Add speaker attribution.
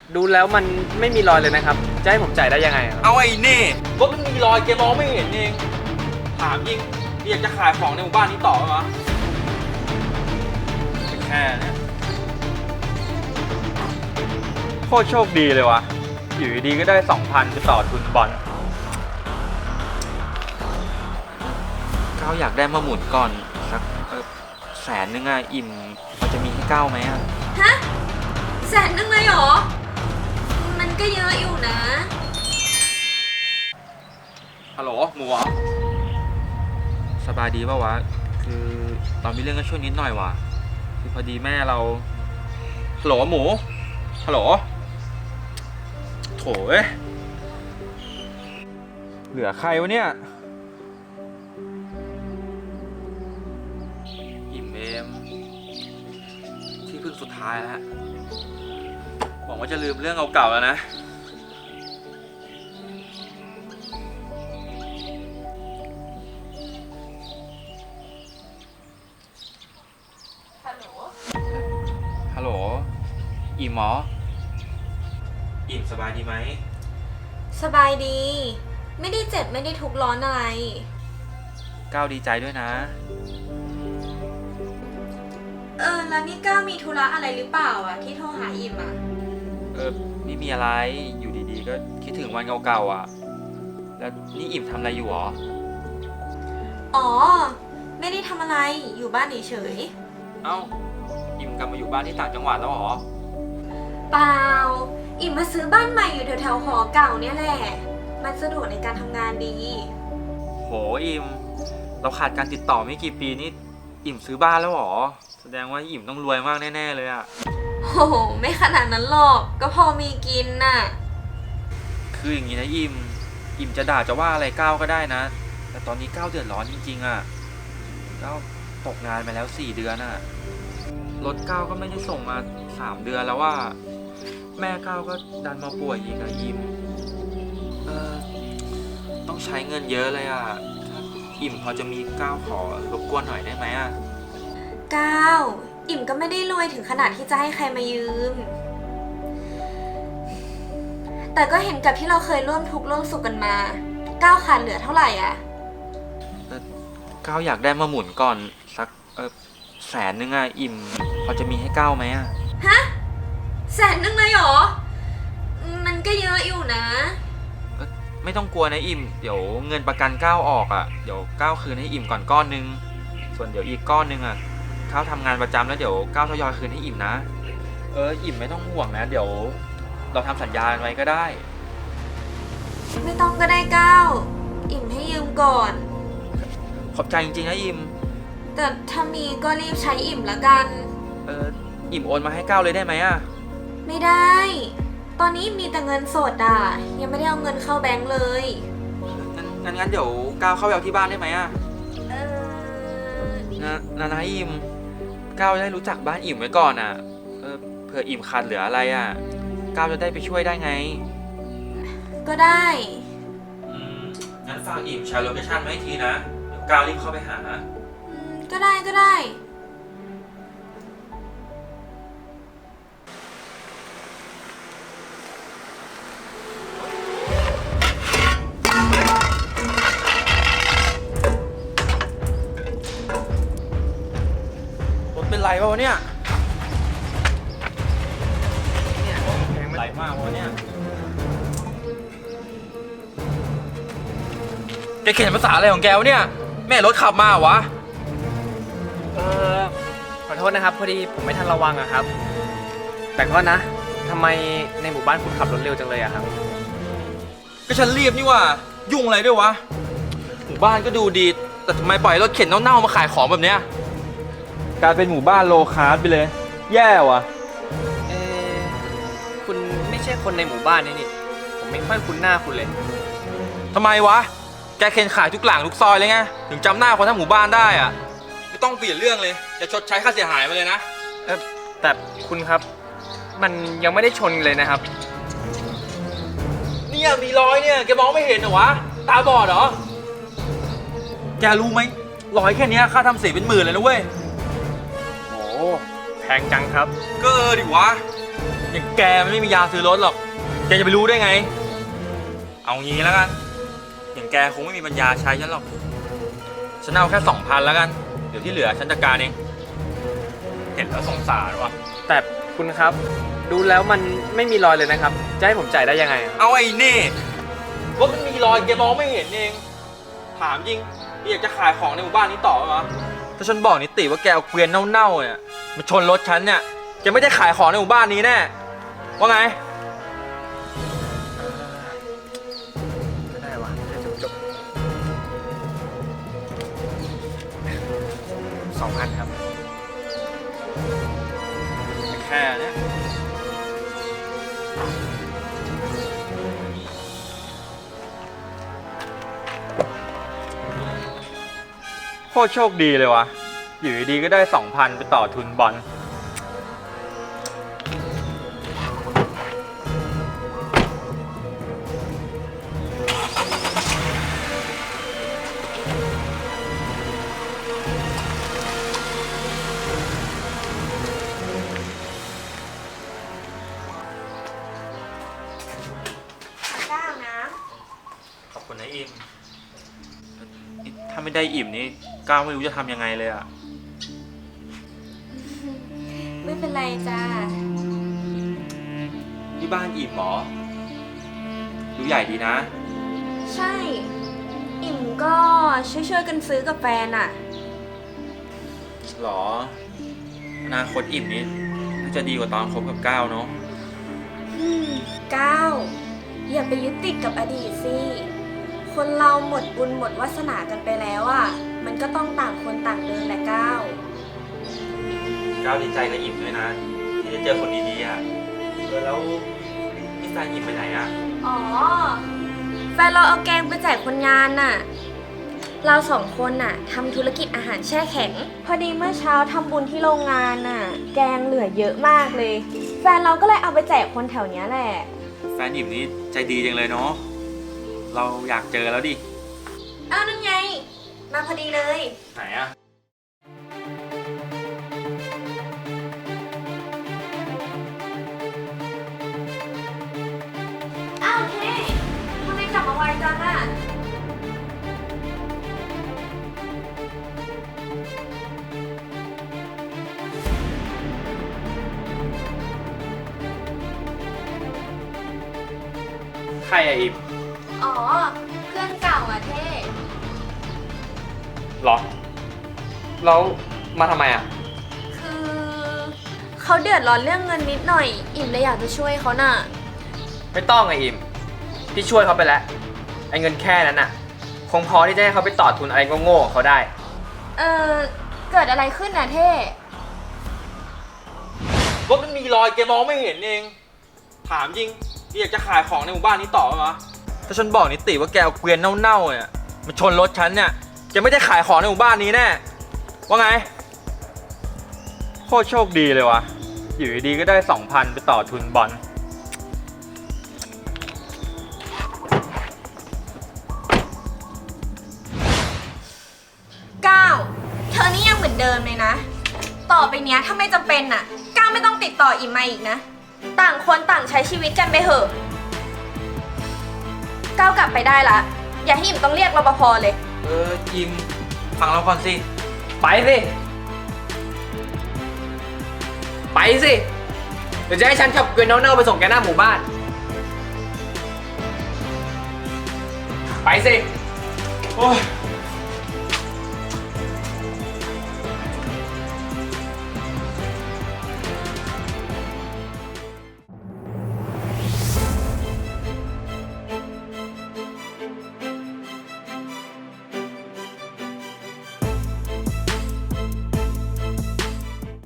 Speaker 1: ดูแล้วมันไม่มีรอยเลยนะครับจะให้ผมจ่ายได้ยังไงครับ
Speaker 2: เอาไอ้นี่รถมันมีรอยแกมองไม่เห็นเองถามยิงอยากจะขายของในหมู่บ้านนี้ต่อไหมวะแค่นี้โคตรโชคดีเลยวะอยู่ดีๆก็ได้ 2,000 ไปต่อทุนบอลก้าวอยากได้มาหมุนก่อนสัก100,000อ่ะอิ่มพอจะมีให้ก้าวไหมอ่ะ
Speaker 3: ฮะ100,000เลยเหรอมันก็เยอะอยู่นะ
Speaker 2: ฮัลโหลหมูเหรอสบายดีป่าววะคือเรามีเรื่องกันช่วยนิดหน่อยวะคือพอดีแม่เราฮัลโหลหมูฮัลโหลโถเอ้ยเหลือใครวะเนี่ยอิ่มเอมที่พึ่งสุดท้ายแล้วหวังว่าจะลืมเรื่องเก่าๆแล้วนะฮัลโหลอิ่มหมออิ่มสบายดีไหม
Speaker 3: สบายดีไม่ได้เจ็บไม่ได้ทุกข์ร้อนอะไร
Speaker 2: ก้าวดีใจด้วยนะ
Speaker 3: แล้วนี่ก้าวมีธุระอะไรหรือเปล่าอะที่โทรหาอิ่มอะ
Speaker 2: ไม่มีอะไรอยู่ดีๆก็คิดถึงวันเก่าๆอ่ะแล้วนี่อิ่มทำอะไรอยู่หรอ
Speaker 3: อ๋อไม่ได้ทำอะไรอยู่บ้านเฉย
Speaker 2: เอ้าอิ่มกลับมาอยู่บ้านที่ต่างจังหวัดแล้วหรอ
Speaker 3: เปล่าอิ่มมาซื้อบ้านใหม่อยู่แถวๆหอเก่าเนี่ยแหละมันสะดวกในการทำงานดี
Speaker 2: โหอิ่มเราขาดการติดต่อไม่กี่ปีนี่อิ่มซื้อบ้านแล้วหรอแสดงว่าอิ่มต้องรวยมากแน่ๆเลยอะ
Speaker 3: โหไม่ขนาดนั้นหรอกก็พอมีกินน่ะ
Speaker 2: คืออย่างนี้นะอิ่มจะด่าจะว่าอะไรก้าวก็ได้นะแต่ตอนนี้ก้าวเดือดร้อนจริงๆอะก้าวตกงานมาแล้ว4 เดือนอะรถก้าวก็ไม่ได้ส่งมา3 เดือนแล้วว่าแม่ก้าวก็ดันมาป่วยอีกอะอิ่มต้องใช้เงินเยอะเลยอะถ้าอิ่มพอจะมีก้าวขอรบกวนหน่อยได้ไหมอะ
Speaker 3: ก้าวอิ่มก็ไม่ได้รวยถึงขนาดที่จะให้ใครมายืมแต่ก็เห็นกับที่เราเคยร่วมทุกข์ร่วมสุขกันมาก้าวขาดเหลือเท่าไหร่อ่ะ
Speaker 2: ก้าวอยากได้มาหมุนก่อนสัก100,000อะอิ่มพอจะมีให้ก้าวไหมอะ
Speaker 3: ฮะ100,000เลยเหรอมันก็เยอะอยู่นะ
Speaker 2: ไม่ต้องกลัวนะอิ่มเดี๋ยวเงินประกันก้าวออกอะเดี๋ยวก้าวคืนให้อิ่มก่อนก้อนนึงส่วนเดี๋ยวอีกก้อนนึงอะก้าวทำงานประจำแล้วเดี๋ยวก้าวทยอยคืนให้อิ่มนะอิ่มไม่ต้องห่วงนะเดี๋ยวเราทำสัญญาไว้ก็ได้
Speaker 3: ไม่ต้องก็ได้ก้าวอิ่มให้ยืมก่อน
Speaker 2: ขอบใจจริงๆนะอิ่ม
Speaker 3: แต่ถ้ามีก็รีบใช้อิ่มละกัน
Speaker 2: อิ่มโอนมาให้ก้าวเลยได้ไหมอะ
Speaker 3: ไม่ได้ตอนนี้มีแต่เงินสดอ่ะยังไม่ได้เอาเงินเข้าแบงก์เลย
Speaker 2: งั้นเดี๋ยวก้าวเข้าไปเอาที่บ้านได้ไหมอะนะอิ่มก้าวได้รู้จักบ้านอิ่มไว้ก่อนอ่ะเผื่ออิ่มขาดเหลืออะไรอ่ะก้าวจะได้ไปช่วยได้ไง
Speaker 3: ก็ได้
Speaker 2: งั้นฝากอิ่มแชร์โลเคชั่นไว้ทีนะเดี๋ยวก้าวรีบเข้าไปหา
Speaker 3: ก็ได้
Speaker 2: เป็นไรวะเนี่ยไหลมากวะเนี่ยแกเขียนภาษาอะไรของแกวะเนี่ยแม่รถขับมาวะ
Speaker 1: ขอโทษนะครับพอดีผมไม่ทันระวังอะครับแต่ก็นะทำไมในหมู่บ้านคุณขับรถเร็วจังเลยอะครับ
Speaker 2: ก็ฉันรีบนี่ว่ายุ่งอะไรด้วยวะหมู่บ้านก็ดูดีแต่ทำไมปล่อยรถเข็นเน่าๆมาขายของแบบเนี้ยกลายเป็นหมู่บ้านโลคาร์สไปเลยแย่ว่ะ
Speaker 1: คุณไม่ใช่คนในหมู่บ้านนี่ผมไม่ค่อยคุ้นหน้าคุณเลย
Speaker 2: ทำไมวะแกเข็นขายทุกหลังทุกซอยเลยไงถึงจำหน้าคนทั้งหมู่บ้านได้อะไม่ต้องเปลี่ยนเรื่องเลยจะชดใช้ค่าเสียหายมาเลยนะ
Speaker 1: แต่คุณครับมันยังไม่ได้ชนเลยนะครับ
Speaker 2: เนี่ยมีรอยเนี่ยแกมองไม่เห็นเหรอวะตาบอดเหรอแกรู้ไหมรอยแค่นี้ค่าทำสีเป็น10,000เลยนะเว้ย
Speaker 1: แพงจังครับ
Speaker 2: ก็ดิวะอย่างแกมันไม่มียาซื้อรถหรอก แกจะไปรู้ได้ไง เอางี้แล้วกัน อย่างแกคงไม่มีปัญญาใช้ฉันหรอก ฉันเอาแค่ 2,000แล้วกัน เดี๋ยวที่เหลือฉันจัดการเอง เห็นแล้วสงสารว่ะ
Speaker 1: แต่คุณครับ ดูแล้วมันไม่มีรอยเลยนะครับ จะให้ผมจ่ายได้ยังไงอะ
Speaker 2: เอาไอ้นี่รถมันมีรอยแกมองไม่เห็นเอง ถามจริงอยากจะขายของในหมู่บ้านนี้ต่อไหมวะถ้าฉันบอกนิติว่าแกเอาเกวียนเน่าๆเนี่ยมาชนรถฉันเนี่ยแกไม่ได้ขายของในหมู่บ้านนี้แน่ ว่าไง
Speaker 1: ก็ได้วะเดี๋ยวจบ2,000 ครับ
Speaker 2: แค่เนี้ยโคตรโชคดีเลยวะอยู่ดีๆก็ได้ 2,000 ไปต่อทุนบอล
Speaker 3: ก้าวนะ
Speaker 2: ขอบคุณนะอิม ถ้าไม่ได้อิ่มนี่ก้าวไม่รู้จะทำยังไงเลยอะ
Speaker 3: ไม่เป็นไรจ้า
Speaker 2: ที่บ้านอิ่มเหรอ ดูใหญ่ดีนะ
Speaker 3: ใช่ อิ่มก็ช่วยกันซื้อกับแฟนอะ
Speaker 2: หรอ อนาคตอิ่มนี่น่าจะดีกว่าตอนคบกับก้าวเนาะ
Speaker 3: ก้าวอย่าไปยึดติดกับอดีตสิ คนเราหมดบุญหมดวาสนากันไปแล้วอะมันก็ต้องต่างคนต่างเดินแหละก้าว
Speaker 2: ก้าวดีใจกับอิ่มด้วยนะ ที่ได้เจอคนดีๆอะแล้วนี่แฟนอิ่มไปไหนอะ
Speaker 3: อ๋อ แฟนเราเอาแกงไปแจกคนงานน่ะ เราสองคนน่ะทำธุรกิจอาหารแช่แข็ง พอดีเมื่อเช้าทำบุญที่โรงงานน่ะ แกงเหลือเยอะมากเลย แฟนเราก็เลยเอาไปแจกคนแถวเนี้ยแหละ
Speaker 2: แฟนอิ่มนี่ใจดีจังเลยเนาะ เราอยากเจอแล้วดิ
Speaker 3: อ้าวนั่นไง มาพอดีเลย
Speaker 2: ไหนอะ
Speaker 3: อ้าวเท่ทำไมกลับมาไวจังอ่ะ
Speaker 1: ใครอะอิม
Speaker 3: อ๋อ เพื่อนเก่าอ่ะเท่
Speaker 1: หรอ แล้วมาทำไมอะ
Speaker 3: คือเขาเดือดร้อนเรื่องเงินนิดหน่อย อิ่มเลยอยากจะช่วยเขาน่ะ
Speaker 1: ไม่ต้องไงอิมพี่ช่วยเขาไปแล้ว ไอ้เงินแค่นั้นน่ะ คงพอที่จะให้เขาไปต่อทุนอะไรโง่ๆของเขาได้
Speaker 3: เกิดอะไรขึ้นน่ะเท่
Speaker 2: รถมันมีรอยแกมองไม่เห็นเอง ถามจริงอยากจะขายของในหมู่บ้านนี้ต่อไหมวะถ้าฉันบอกนิติว่าแกเอาเกวียนเน่าๆเนี่ยมาชนรถฉันเนี่ยแกไม่ได้ขายของในหมู่บ้านนี้แน่ ว่าไง โคตรโชคดีเลยวะอยู่ดีๆก็ได้ 2,000 ไปต่อทุนบอล
Speaker 3: ก้าวเธอนี่ยังเหมือนเดิมเลยนะ ต่อไปเนี้ยถ้าไม่จำเป็นน่ะ ก้าวไม่ต้องติดต่ออิ่มมาอีกนะ ต่างคนต่างใช้ชีวิตกันไปเถอะ ก้าวกลับไปได้ละ อย่าให้อิ่มต้องเรียกรปภเลย
Speaker 2: ยิมฟังเราก่อนสิ
Speaker 1: ไปสิ ไปสิ เดี๋ยวจะให้ฉันขับเกวียนเน่าๆไปส่งแกหน้าหมู่บ้าน ไปสิ
Speaker 2: โอ้ย